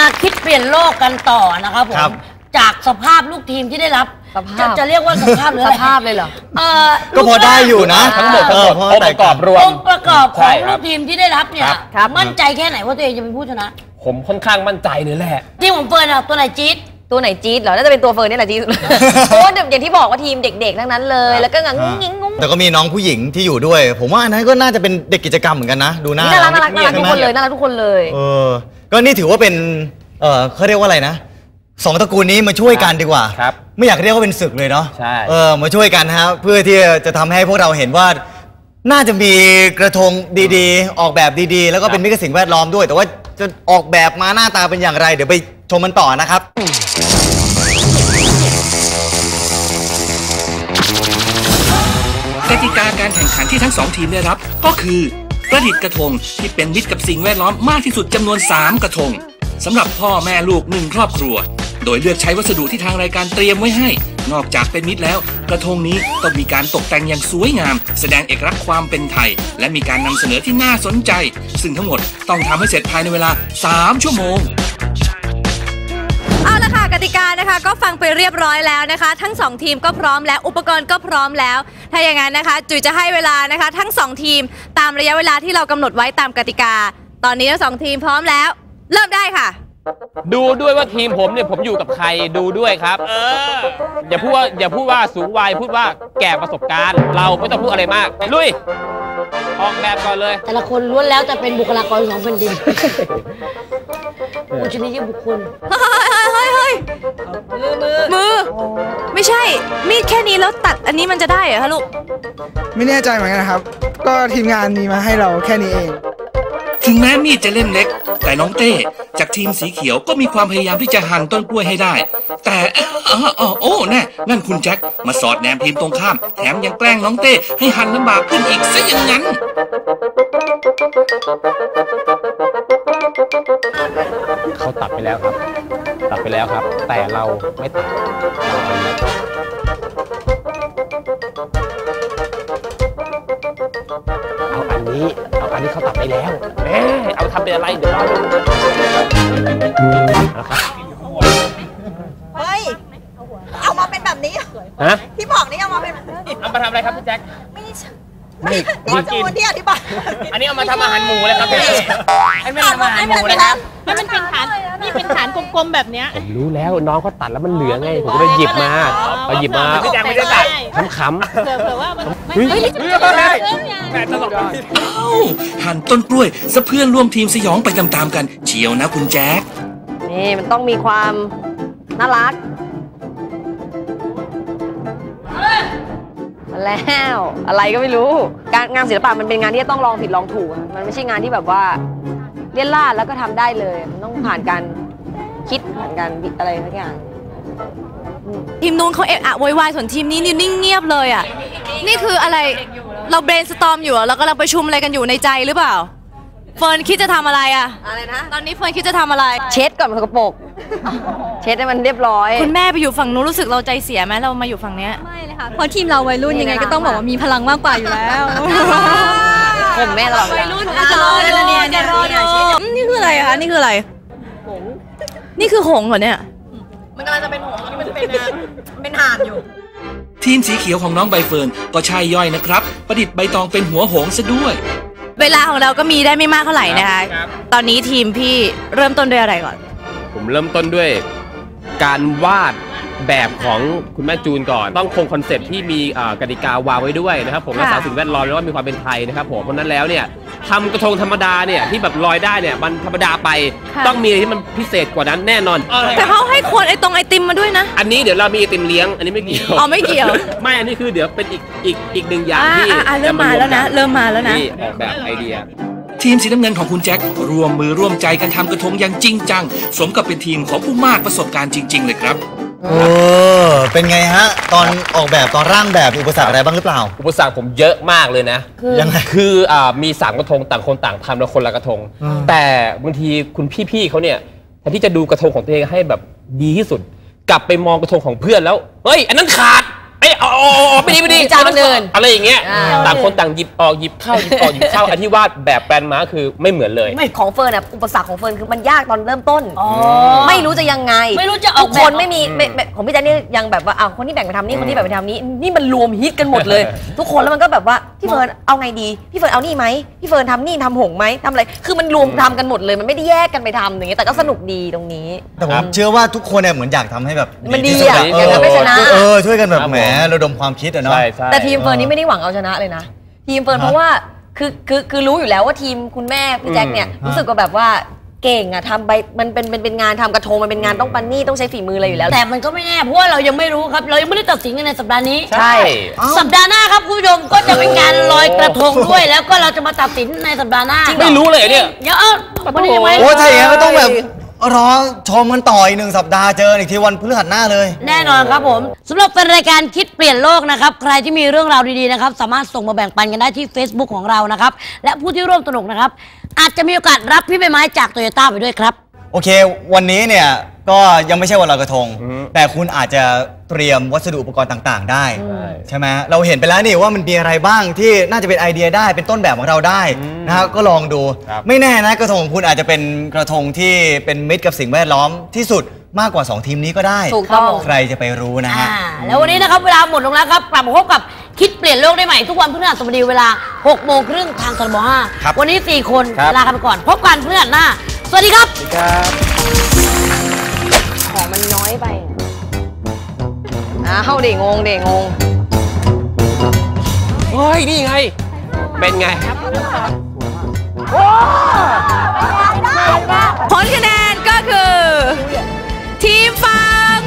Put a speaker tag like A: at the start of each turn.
A: คิดเปลี่ยนโลกกันต่อนะครับผมจากสภาพลูกทีมที่ได้รับจะเรียกว่าสภาพหรืออะไรสภาพเลยเหรอ
B: ก็พอได้อยู่นะทั้งหมด
A: องค์ประกอบรวมองค์ประกอบของลูกทีมที่ได้รับเนี่ยมั่นใจแค่ไหนว่าตัวเองจะเป็นผู้ชนะ
C: ผมค่อนข้างมั่นใจเลยแหละ
A: ที่ผมเฟิร์นอะตัวไหนจี๊ด
D: ตัวไหนจี๊ดเหรอน่าจะเป็นตัวเฟิร์นนี่แหละจี๊ดเพราะอย่างที่บอกว่าทีมเด็กๆทั้งนั้นเลยแล้วก็งุ้งงิ้งงุ้ง
B: แต่ก็มีน้องผู้หญิงที่อยู่ด้วยผมว่าอันนั้นก็น่าจะเป็นเด็กกิจกรรมเหมือนกันนะดูน่ารัก
D: ทุกคนเลยน่ารักทุกคนเลย
B: ก็นี่ถือว่าเป็นเขาเรียกว่าอะไรนะสองตระกูลนี้มาช่วยกันดีกว่าไม่อยากเรียกว่าเป็นศึกเลยเนาะมาช่วยกันครับเพื่อที่จะทำให้พวกเราเห็นว่าน่าจะมีกระทงดีๆออกแบบดีๆแล้วก็เป็นมิตรกับสิ่งแวดล้อมด้วยแต่ว่าจะออกแบบมาหน้าตาเป็นอย่างไรเดี๋ยวไปชมมันต่อนะครับ
E: กติกาการแข่งขันที่ทั้ง2ทีมได้รับก็คือประดิษฐ์กระทงที่เป็นมิตรกับสิ่งแวดล้อมมากที่สุดจำนวน3กระทงสำหรับพ่อแม่ลูก1ครอบครัวโดยเลือกใช้วัสดุที่ทางรายการเตรียมไว้ให้นอกจากเป็นมิตรแล้วกระทงนี้ต้องมีการตกแต่งอย่างสวยงามแสดงเอกลักษณ์ความเป็นไทยและมีการนำเสนอที่น่าสนใจซึ่งทั้งหมดต้องทำให้เสร็จภายในเวลา3ชั่วโมง
F: เอาละค่ะกติกานะคะก็ฟังไปเรียบร้อยแล้วนะคะทั้ง2ทีมก็พร้อมแล้วอุปกรณ์ก็พร้อมแล้วถ้าอย่างนั้นนะคะจุ๋ยจะให้เวลานะคะทั้ง2ทีมตามระยะเวลาที่เรากำหนดไว้ตามกติกาตอนนี้ทั้ง2ทีมพร้อมแล้วเริ่มได้ค่ะ
C: ดูด้วยว่าทีมผมเนี่ยผมอยู่กับใครดูด้วยครับอย่าพูดว่าสูงวัยพูดว่าแก่ประสบการณ์เราไม่ต้องพูดอะไรมากลุยออกแบบก่อนเลย
A: แต่ละคนล้วนแล้วจะเป็นบุคลากรของแผ่นดินอุชนียบุคคล
F: เฮ้ยมือไม่ใช่มีดแค่นี้แล้วตัดอันนี้มันจะได้เหรอคะลูก
G: ไม่แน่ใจเหมือนกันนะครับก็ทีมงานมีมาให้เราแค่นี้เอง
E: ถึงแม้มีดจะเล่มเล็กแต่น้องเต้จากทีมสีเขียวก็มีความพยายามที่จะหั่นต้นกล้วยให้ได้แต่โอ้แน่นั่นคุณแจ็คมาสอดแนมทีมตรงข้ามแถมยังแกล้งน้องเต้ให้หั่นลำบากขึ้นอีกซะอย่างนั้น
C: เขาตัดไปแล้วครับแต่เราไม่ตัดเอาอันนี้เขาตัดไปแล้วเอาทำเป็นอะไรเดี๋ยวรอดูนะครับ
F: เฮ้ยเอามาเป็นแบบนี้ที่บอกนี่เอามาเป็น
C: เอามาทำอะไรครับพี่แจ็ค
F: นี่จูนที่อธิบาย
C: อันนี้เอามาทำอาหารหมูเลยครับพี่
F: อันนี้ทำอาหารหมูเลยครับ
H: นี่เป็นฐานนี่เป็นฐานกลมๆแบบเนี้ย
C: ผมรู้แล้วน้องเขาตัดแล้วมันเหลือไงผมก็เลยหยิบมาพี่แจ็คไม่ได้ตัดขำ
H: ๆเผื่อว่ามัน
E: แต่ตลกหั่นต้นกล้วยซะเพื่อนร่วมทีมสยองไปตามๆกันเชียวนะคุณแจ็ค
D: นี่มันต้องมีความน่ารักแล้วอะไรก็ไม่รู้งานศิลปะมันเป็นงานที่ต้องลองผิดลองถูกมันไม่ใช่งานที่แบบว่าเลี่ยนล่าแล้วก็ทำได้เลยมันต้องผ่านการคิดผ่านการอะไรทุกอย่าง
F: ทีมนู้นเขาเอะอะโวยวายส่วนทีมนี้นิ่งเงียบเลยอ่ะนี่คืออะไรเราเบรนสตอร์มอยู่แล้วก็เราประชุมอะไรกันอยู่ในใจหรือเปล่าเฟิร์นคิดจะทำอะไรอะอะไรนะตอนนี้เฟิร์นคิดจะทำอะไร
D: เช็ดก่อนมันสกปรกเช็ดให้มันเรียบร้อย
F: คุณแม่ไปอยู่ฝั่งนู้นรู้สึกเราใจเสียไหมเรามาอยู่ฝั่งนี้
H: ไม่เลยค่ะเพราะทีมเราวัยรุ่นยังไงก็ต้องบอกว่ามีพลังมากกว่าอยู่แล้ว
D: ผมแม่เรา
F: วัยรุ่นจะรอดูนี่คืออะไรคะนี่คืออะไรหงนี่คือหงเหรอเนี่ยมันกำลังจะเป็นหงที่มันเป็นห่านอยู่
E: ทีมสีเขียวของน้องใบเฟิร์นก็ใช่ย่อยนะครับประดิษฐ์ใบตองเป็นหัวหงซะด้วย
F: เวลาของเราก็มีได้ไม่มากเท่าไหร่นะคะตอนนี้ทีมพี่เริ่มต้นด้วยอะไรก่อน
C: ผมเริ่มต้นด้วยการวาดแบบของคุณแม่จูนก่อนต้องคงคอนเซ็ปต์ที่มีกติกาวางไว้ด้วยนะครับผมรักษาสิ่งแวดล้อมแล้วก็มีความเป็นไทยนะครับผมเพราะนั้นแล้วเนี่ยทำกระทงธรรมดาเนี่ยที่แบบลอยได้เนี่ยมันธรรมดาไปต้องมีอะไรที่มันพิเศษกว่านั้นแน่นอน
F: แต่เขาให้ขวดไอติมมาด้วยนะ
C: อันนี้เดี๋ยวเรามีไอติมเลี้ยงอันนี้ไม่เกี่ยว
F: ไม่เกี่ยว
C: ไม่อันนี้คือเดี๋ยวเป็นอีกหนึ่งอย่างที่
F: เริ่มมาแล้วนะ
C: ที่ออกแบบไอเดีย
E: ทีมสีน้ำเงินของคุณแจ็คร่วมมือร่วมใจกันทำกระทงอย่างจริงจังสมกับเป็นทีมของผู้มากประสบการณ์จริงๆเลยครับ
B: เป็นไงฮะตอนออกแบบตอนร่างแบบอุปสรรคอะไรบ้างหรือเปล่า
C: อุปสรรคผมเยอะมากเลยนะ
B: ยังไง
C: คือมี3กระทงต่างคนต่างทำแล้วคนละกระทงแต่บางทีคุณพี่ๆเขาเนี่ยแทนที่จะดูกระทงของตัวเองให้แบบดีที่สุดกลับไปมองกระทงของเพื่อนแล้วเฮ้ยอันนั้นขาดไม่ดีจานเดินอะไรอย่างเงี้ยต่างคนต่างหยิบออกหยิบเข้าอันที่วาดแบบแปลนมาคือไม่เหมือนเลย
D: ไม่ของเฟิร์นอ่ะอุปสรรคของเฟิร์นคือมันยากตอนเริ่มต้นไม่รู้จะยังไง
A: ไม่รู้จะเอา
D: คนไม่มีของพี่แจ๊คนี่ยังแบบว่าคนที่แบ่งไปทำนี่คนที่แบ่งไปทำนี่มันรวมฮิตกันหมดเลยทุกคนแล้วมันก็แบบว่าพี่เฟิร์นเอาไงดีพี่เฟิร์นเอานี่ไหมพี่เฟิร์นทำนี่ทำหงไหมทำอะไรคือมันรวมทำกันหมดเลยมันไม่ได้แยกกันไปทำอย่างเงี้ยแต่ก็สนุกดีตรงนี้
B: แต่ผมเชื่อว่าทุกคนเนี่ยเหมือนอยากทำให้แบบ
D: มันดีอ่ะอยากทำให้ชนะ
B: ช่วยกันแบบแหมระดมความคิดอะเนาะ
D: แต่ทีมเฟิร์นนี่ไม่ได้หวังเอาชนะเลยนะทีมเฟิร์นเพราะว่าคือรู้อยู่แล้วว่าทีมคุณแม่พี่แจ็คเนี่ยรู้สึกว่าแบบว่าเก่งอะทำไปมันเป็นงานทำกระทงมันเป็นงานต้องปันนี่ต้องใช้ฝีมืออะไรอยู่แล้ว
A: แต่มันก็ไม่แน่เพราะว่าเรายังไม่รู้ครับเรายังไม่ได้ตัดสินกันในสัปดาห์นี้
C: ใช่
A: สัปดาห์หน้าครับคุณผู้ชมก็จะเป็นการลอยกระทงด้วยแล้วก็เราจะมาตัดสินในสัปดาห์หน้า
C: ไม่รู้เลยเนี่ย
A: เดี๋ยววันนี้ยังไง
B: โอ้ใช่ก็ต้องแบบรอชมกันต่ออีก1 สัปดาห์เจออีกทีวันพฤหัสหน้าเลย
A: แน่นอนครับผมสำหรับเป็นรายการคิดเปลี่ยนโลกนะครับใครที่มีเรื่องราวดีๆนะครับสามารถส่งมาแบ่งปันกันได้ที่ Facebook ของเรานะครับและผู้ที่ร่วมสนุกนะครับอาจจะมีโอกาสรับพี่ใบไม้จากโตโยต้าไปด้วยครับ
B: โอเควันนี้เนี่ยก็ยังไม่ใช่วันลอยกระทงแต่คุณอาจจะเตรียมวัสดุอุปกรณ์ต่างๆได้ใช่ไหมเราเห็นไปแล้วนี่ว่ามันมีอะไรบ้างที่น่าจะเป็นไอเดียได้เป็นต้นแบบของเราได้นะครับก็ลองดูไม่แน่นะกระทงของคุณอาจจะเป็นกระทงที่เป็นมิตรกับสิ่งแวดล้อมที่สุดมากกว่า2 ทีมนี้ก็ได้
A: ถูกต้อง
B: ใครจะไปรู้นะฮะ
A: แล้ววันนี้นะครับเวลาหมดลงแล้วครับกลับมาพบกับคิดเปลี่ยนโลกได้ใหม่ทุกวันพฤหัสบดีเวลา 18:30 นทางทบ5วันนี้4 คนลากันไปก่อนพบกันพฤหัสหน้าสวัสดีครับ
D: ของมันน้อยไปเข้าเด็กงง
C: เฮ้ยนี่ไงเป็นไง
F: ผลคะแนนก็คือทีมฝั่ง